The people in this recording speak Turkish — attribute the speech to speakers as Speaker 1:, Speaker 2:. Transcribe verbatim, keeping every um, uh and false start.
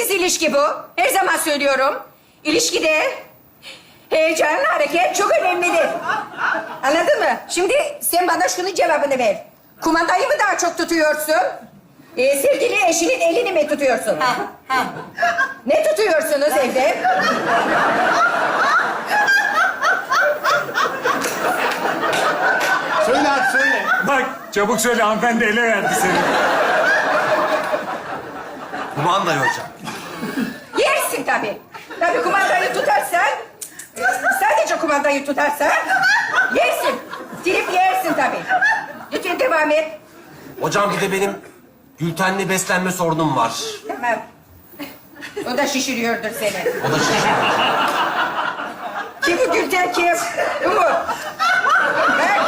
Speaker 1: Sessiz ilişki bu. Her zaman söylüyorum. İlişkide heyecan, hareket çok önemlidir. Anladın mı? Şimdi sen bana şunun cevabını ver. Kumandayı mı daha çok tutuyorsun? Ee, sevgili eşinin elini mi tutuyorsun? Ha, ha. Ne tutuyorsunuz evde?
Speaker 2: Söyle hadi söyle.
Speaker 3: Bak çabuk söyle, hanımefendi ele verdi seni.
Speaker 4: Kumandayı hocam.
Speaker 1: Yersin tabii. Tabii kumandayı tutarsan, sadece kumandayı tutarsan yersin. Silip yersin tabii. Lütfen devam et.
Speaker 4: Hocam bir de benim glutenli beslenme sorunum var.
Speaker 1: Tamam. O da şişiriyordur seni.
Speaker 4: O da şişiyor.
Speaker 1: Kim bu Gülten kim? Bu mu? Bak.